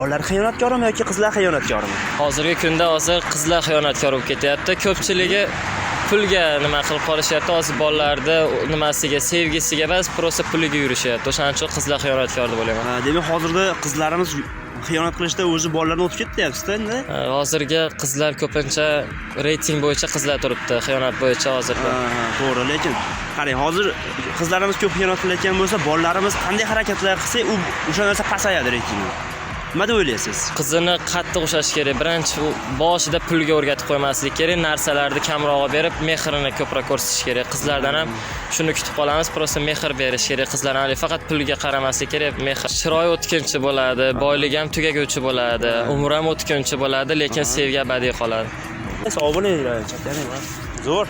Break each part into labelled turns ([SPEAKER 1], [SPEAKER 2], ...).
[SPEAKER 1] Ular xiyonatkor yoki qizlar xiyonatkormi?
[SPEAKER 2] Hozirgi kunda qizlar xiyonatkor bo'lib ketyapti. Ko'pchiligi pulga nima qilib qolishyapti. Hozir bolalarda nimasiga, sevgisiga emas, prosta puliga yurishyapti. O'shaning uchun qizlar xiyonatkor deb o'ylayman.
[SPEAKER 1] Demak, hozirda qizlarimiz xiyonat qilishda o'zi bolalarni o'tib ketyapti-da endi.
[SPEAKER 2] Hozirgi qizlar ko'pincha reyting bo'yicha qizlar turibdi, xiyonat bo'yicha hozirda.
[SPEAKER 1] To'g'ri, lekin qarang, hozir qizlarimiz ko'p xiyonat qilayotgan bo'lsa, bolalarimiz qanday harakatlar qilsa, u o'sha narsa pasayadi reytingi. Nima deb o'ylaysiz?
[SPEAKER 2] Qizini qattiq ushlash kerak. Birinchi boshida pulga o'rgatib qo'ymaslik kerak, narsalarni kamroq berib, mehrini ko'proq ko'rsatish kerak. Qizlardan ham shuni kutib qolamiz, prosta mehr berish kerak. Qizlarga faqat pulga qaramaslik kerak, mehr. Chiroy o'tkinchi bo'ladi, boyligi ham tugaguvchi bo'ladi, umri ham o'tkinchi bo'ladi, lekin sevgi abadiy qoladi.
[SPEAKER 1] Sog' bo'linglar, chatlaring. Zo'r.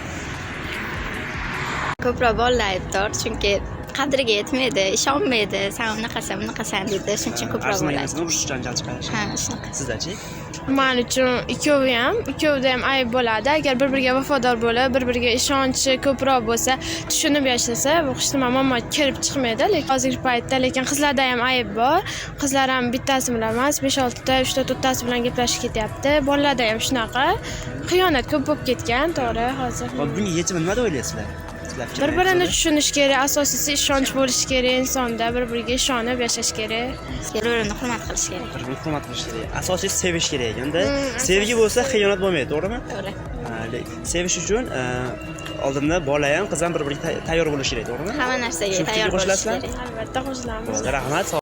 [SPEAKER 3] Ko'proq bolalar aybdor, chunki qadriga yetmaydi, ishonmaydi, sen bunaqasan deydi, shuning uchun ko'proq bo'ladi.
[SPEAKER 1] Urush janjal chiqarish.
[SPEAKER 3] Ha, shunaqa.
[SPEAKER 1] Sizdachi?
[SPEAKER 4] Men uchun ikkovida ham ayb bo'ladi. Agar bir-biriga vafodor bo'lib, bir-biriga ishonchi ko'proq bo'lsa, tushunib yashasa, bu hech nima muammo kelib chiqmaydi. Lekin hozirgi paytda qizlarda ham ayb bor. Qizlar ham bittasi bilan emas, 5-6 ta, 3 ta, 4 tasi bilan gaplashib ketyapti. Bolalarda ham shunaqa. Xiyonat ko'p bo'lib ketgan, to'g'ri, hozir.
[SPEAKER 1] Bunga yechim nima deb o'ylaysizlar?
[SPEAKER 4] Bir-birini tushunish kerak, asosiysi ishonch bo'lishi kerak insonda, bir-biriga ishonib yashash kerak.
[SPEAKER 3] Bir-birini hurmat qilish kerak.
[SPEAKER 1] Bir-birini hurmat qilish kerak. Asosiysi sevish kerak ekanda. Sevgi bo'lsa xiyonat bo'lmaydi, to'g'rimi?
[SPEAKER 3] To'g'ri.
[SPEAKER 1] Sevish uchun oldinda bola ham, qiz ham bir-biriga tayyor bo'lishi kerak, to'g'rimi?
[SPEAKER 3] Hamma narsaga tayyor bo'lish kerak.
[SPEAKER 4] Albatta, qo'shilaman.
[SPEAKER 1] Rahmat.